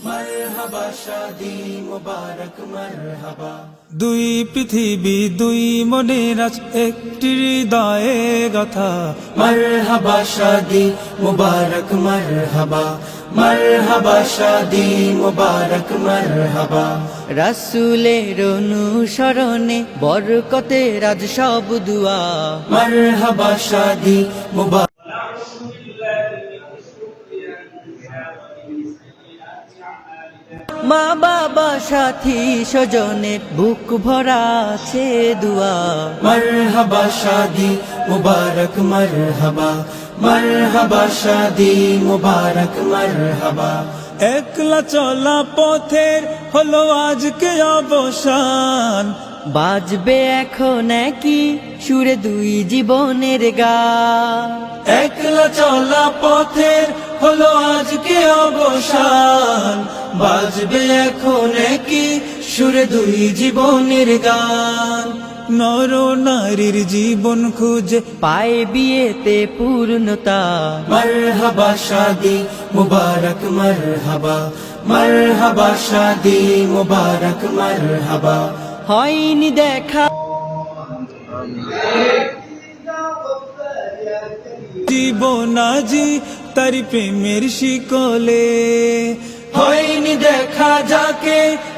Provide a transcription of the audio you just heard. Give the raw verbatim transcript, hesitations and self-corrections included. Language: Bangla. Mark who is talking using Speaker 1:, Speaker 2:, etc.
Speaker 1: মারহাবা শাদি মুবারক মারহাবা।
Speaker 2: দুই পৃথিবী দুই মনের আজ একটি হৃদয়ে গাথা।
Speaker 1: মারহাবা শাদি মুবারক মারহাবা, মারহাবা শাদি মুবারক মারহাবা।
Speaker 3: রাসূলের অনুসরণে বরকতের আজ সব দুয়া।
Speaker 1: মারহাবা শাদি মুবারক।
Speaker 3: মা বাবা সাথী স্বজনে বুক ভরা আছে দুয়া।
Speaker 1: মারহাবা শাদি মুবারক মারহাবা, মারহাবা শাদি মুবারক মারহাবা।
Speaker 2: একলা চলা পথের হলো আজকে অবসান।
Speaker 3: বাজবে এখন কি সুরে দুই জীবনের গান।
Speaker 1: একলা চলা পথের হলো আজকে অবসান। বাজবে এখন কি সুরে দুই জীবনের গান।
Speaker 2: নর নারীর জীবন খুঁজে
Speaker 3: পায় বিয়েতে পূর্ণতা।
Speaker 1: মারহাবা শাদি মুবারক মারহাবা, মারহাবা শাদি মুবারক মারহাবা।
Speaker 3: হয়নি দেখা
Speaker 2: জীবন আজি তারি প্রেমের শিকলে।
Speaker 1: হয়নি দেখা যাকে